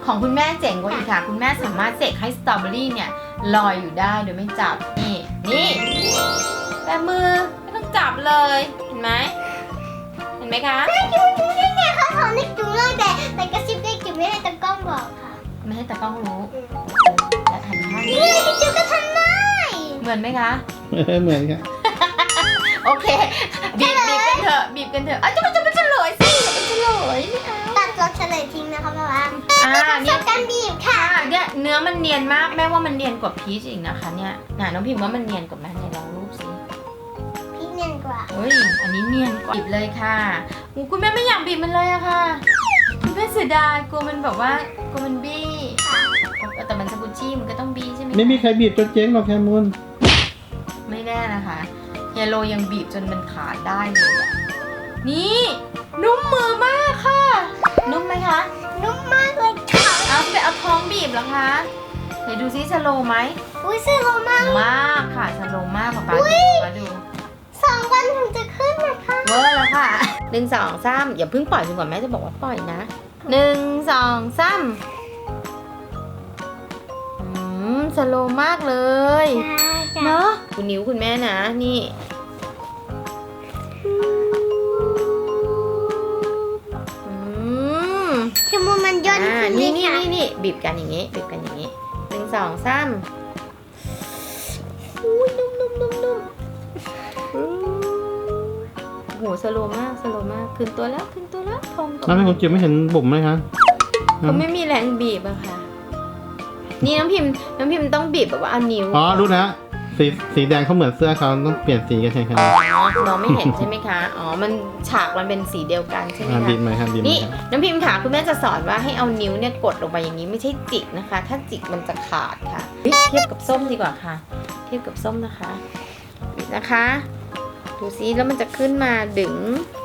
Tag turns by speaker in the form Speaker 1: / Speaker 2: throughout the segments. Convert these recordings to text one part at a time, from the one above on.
Speaker 1: ของคุณแม่เจ๋งกว่าอีกค่ะคุณแม่สามารถเสกให้สตรอเบอรี่เนี่ยลอยอยู่ได้โดยไม่จับนี่แต่มือไม่ต้องจับเลยเห็นไหมคะ
Speaker 2: นี่ไงเขาสอนเด็กจุ๋มเลยแต่กระซิบเด็กจุ๋มไม่ให้ตากล้องบอกค่ะ
Speaker 1: ไม่ให้ตากล้องรู้และหันข้าง
Speaker 2: นี่เด็กจุ๋มก็ทำได้
Speaker 1: เหมือนไหมคะ
Speaker 3: เหมือนค่ะ
Speaker 1: โอเคบีบกันเถอะจะเป็นเฉลยสิเป็นเฉลยไม่เอา
Speaker 2: ตัดรสเฉลยทิ้งนะคะพ่อว่า
Speaker 1: เนี่ย
Speaker 2: การบีบค่ะ
Speaker 1: เนี่ยเนื้อมันเนียนมากแม่ว่ามันเนียนกว่าพีชอีกนะคะเนี่ยน้องพิมพ์ว่ามันเนียนกว่าแม่ในลองรูปสิ
Speaker 2: พีชเนียนกว่า
Speaker 1: เฮ้ยอันนี้เนียนกว่าบีบเลยค่ะคุณแม่ไม่อยากบีบมันเลยอะค่ะคุณแม่เสียดายกลัวมันแบบว่ากลัวมันบี้แต่มันสกุชชี่มันก็ต้องบี้ใช่ไหม
Speaker 3: ไม่มีใครบีบจนเจ๊งหรอกแคมูล
Speaker 1: ไม่แน่นะคะเฮโลยังบีบจนมันขาดได้เลยอะนี่นุ่มมือมากค่ะนุ่มไหมคะ
Speaker 2: นุ่มมากเลยค่ะ
Speaker 1: เอาท้องบีบเหรอคะเดี๋ยวดูซิสโลไหม
Speaker 2: อุ้ยสโลมาก
Speaker 1: ค่ะสโลมากป๊าดู
Speaker 2: 2 วันถึงจะขึ้นนะคะ
Speaker 1: เวอร์แล้วค่ะ1 2 3อย่าเพิ่งปล่อยจนกว่าแม่จะบอกว่าปล่อยนะ1 2 3สโลมากเลยเนาะคุณนิ้วคุณแม่นะนี่
Speaker 2: คือมันย่น
Speaker 1: นี่บีบกันอย่างงี้1 2 3อุ้ยนุ่มโหสโลมากขึ้นตัวแล้วพอง
Speaker 3: น้ำให้ผมจิ๋วไม่เห็นบุ๋มไหมคะ
Speaker 1: เขาไม่มีแรงบีบอะค่ะนี่น้ำพิมพ์ต้องบีบแบบว่าเอานิ้ว
Speaker 3: รู้นะสีแดงเขาเหมือนเสื้อเขาต้องเปลี่ยนสีกันใช่ไหม
Speaker 1: น้องไม่เห็นใช่ไหมคะมันฉากมันเป็นสีเดียวกันใช่ไหมคะ
Speaker 3: บีบไหมครับ
Speaker 1: นี่น้ำพิมพ์ค่ะคุณแม่จะสอนว่าให้เอานิ้วเนี่ยกดลงไปอย่างนี้ไม่ใช่จิกนะคะถ้าจิกมันจะขาดค่ะเทียบกับส้มดีกว่าค่ะเทียบกับส้มนะคะดูซิแล้วมันจะขึ้นมาดึง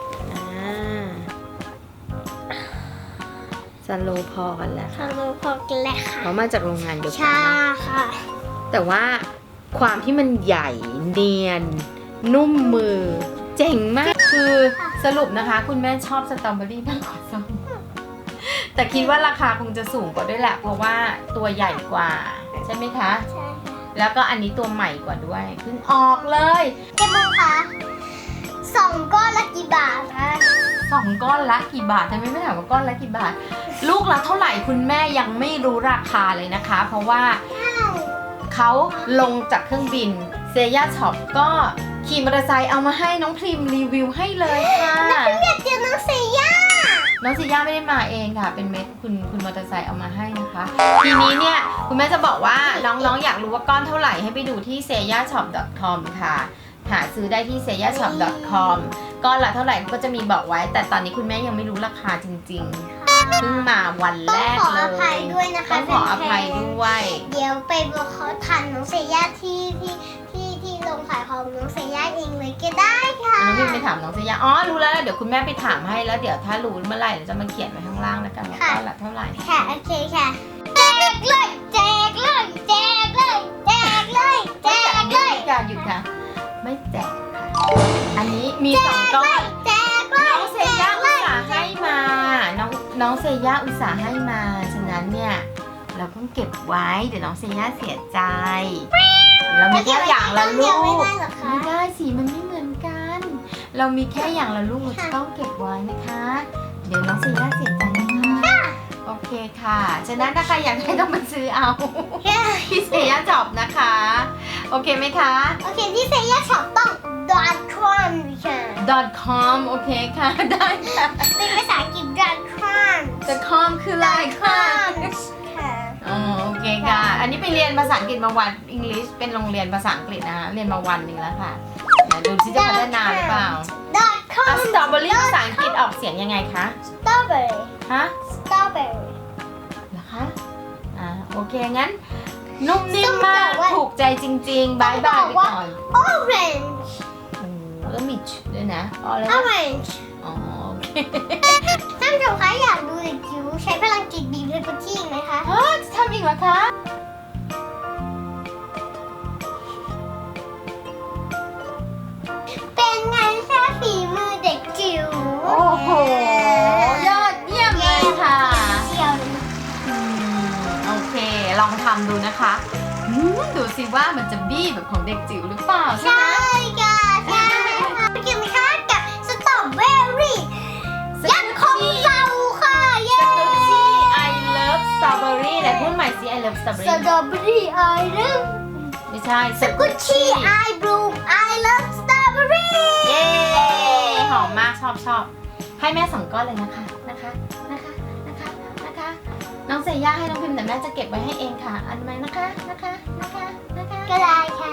Speaker 1: สโลพอกันแล้ว
Speaker 2: สโลพอกันแล้วค่ะ
Speaker 1: เขามาจากโรงงานเดียวกัน
Speaker 2: ใช่ค่ะ
Speaker 1: แต่ว่าความที่มันใหญ่เนียนนุ่มมือเจ๋งมากคือสรุปนะคะคุณแม่ชอบสตรอเบอรี่มากกว่าส้มแต่คิดว่าราคาคงจะสูงกว่าด้วยแหละเพราะว่าตัวใหญ่กว่าใช่ไหมคะ
Speaker 2: ใช่
Speaker 1: แล้วก็อันนี้ตัวใหม่กว่าด้วยเพิ่งออกเลย
Speaker 2: เจ๊มงคะ2 ก้อนละกี่บาทคะ
Speaker 1: 2 ก้อนละกี่บาททำไมไม่ถามว่าก้อนละกี่บาทลูกละเท่าไหร่คุณแม่ยังไม่รู้ราคาเลยนะคะเพราะว่าเขาลงจากเครื่องบินเซย่าช็อปก็ขี่มอเตอร์ไซค์เอามาให้น้องพริมรีวิวให้เลยค่ะ
Speaker 2: น้องพริมอยากเจอน้องเซย่า
Speaker 1: ไม่ได้มาเองค่ะเป็นเม็ดคุณมอเตอร์ไซค์เอามาให้นะคะทีนี้เนี่ยคุณแม่จะบอกว่าน้องอยากรู้ว่าก้อนเท่าไหร่ให้ไปดูที่ seyashop.com ค่ะหาซื้อได้ที่ seyashop.com ก้อนละเท่าไหร่ก็จะมีบอกไว้แต่ตอนนี้คุณแม่ยังไม่รู้ราคาจริงๆเพิ่งมาวันแรกเลย
Speaker 2: ต้องขออภัยด้วยนะคะ
Speaker 1: ต้องขออภัยด้วย
Speaker 2: เดี๋ยวไปบอกเขาทันน้องเซย่าที่ลงขายของน้องเซย่าเองเลยก็ได้ค่ะ
Speaker 1: น้องพิมไปถามน้องเซย่ารู้แล้วเดี๋ยวคุณแม่ไปถามให้แล้วเดี๋ยวถ้ารู้เมื่อไหร่เราจะมาเขียนไว้ข้างล่างนะกันว่าก้อนละเท่าไหร่
Speaker 2: ค่ะโอเคค่ะแจกเลย
Speaker 1: หยุดค่ะไม่แจกค่ะอันนี้มี2 ก้อนน้องเซย่าอุตส่าห์ให้มาน้องเซย่าอุตส่าห์ให้มาฉะนั้นเนี่ยเราต้องเก็บไว้เดี๋ยวน้องเซย่าเสียใจเรามีแค่อย่างละลูกไม่ได้สีมันไม่เหมือนกันเรามีแค่อย่างละลูกเราจะต้องเก็บไว้นะคะเดี๋ยวน้องเซย่าเสียใจนะคะโอเคค่ะฉะนั้นถ้าใครอยากได้ต้องมาซื้อเอาที่เซย่าช็อปนะคะโอเคไหมคะ
Speaker 2: โอเคที่เซย่าช็อปต้อง .com ค่ะ
Speaker 1: .com โอเคค่ะได้ค่ะ
Speaker 2: เป็นภาษาอังกฤษ .com
Speaker 1: .com คืออะไรค่ะโอเคค่ะอันนี้ไปเรียนภาษาอังกฤษมาวันอังกฤษเป็นโรงเรียนภาษาอังกฤษนะคะเรียนมาวันหนึ่งแล้วค่ะดูซิจะพัฒนาหรือเปล่าสตรอเบอรี่ภาษาอังกฤษออกเสียงยังไงคะ
Speaker 2: strawberry
Speaker 1: ฮะ
Speaker 2: strawberry
Speaker 1: เหรอคะโอเคงั้นนุ่มนิ่มมากถูกใจจริงๆบายบายไปก่อน
Speaker 2: orange
Speaker 1: แล้วมีด้วยนะ
Speaker 2: orange
Speaker 1: โอเค
Speaker 2: ท่านผู้ชมคะอยากดูเด็กจิ๋วใช้พลังจิตบีบเลยกุชชี่ไหมคะ
Speaker 1: จะทำอีกเหรอคะ
Speaker 2: เป็นไงคะฝีมือเด็กจิ๋ว
Speaker 1: โอ้โหยอดเยี่ยมเลยค่ะ
Speaker 2: เชียว
Speaker 1: ลองทำดูนะคะดูสิว่ามันจะบี้แบบของเด็กจิ๋วหรือเปล่าใช่ไหม
Speaker 2: ใช่ค่ะใช่ค่ะกินไหมคะกับสตรอเบอรี่ยักษ์ของเราค่ะเย้
Speaker 1: สกูชี่ I love strawberry ไหนพูดใหม่สิ I love
Speaker 2: ส
Speaker 1: strawberry
Speaker 2: ตรอเบอรี่ไอรึม
Speaker 1: ไม่ใช่
Speaker 2: สกุชชี่ไอบลูมไอเลิฟสตรอเบอรี่
Speaker 1: เย้หอมมากชอบให้แม่2 ก้อนเลยนะคะน้องเซย่าให้น้องพิมพ์แต่แม่จะเก็บไว้ให้เองค่ะอันไหมนะคะ
Speaker 2: ก็ได้ค่ะ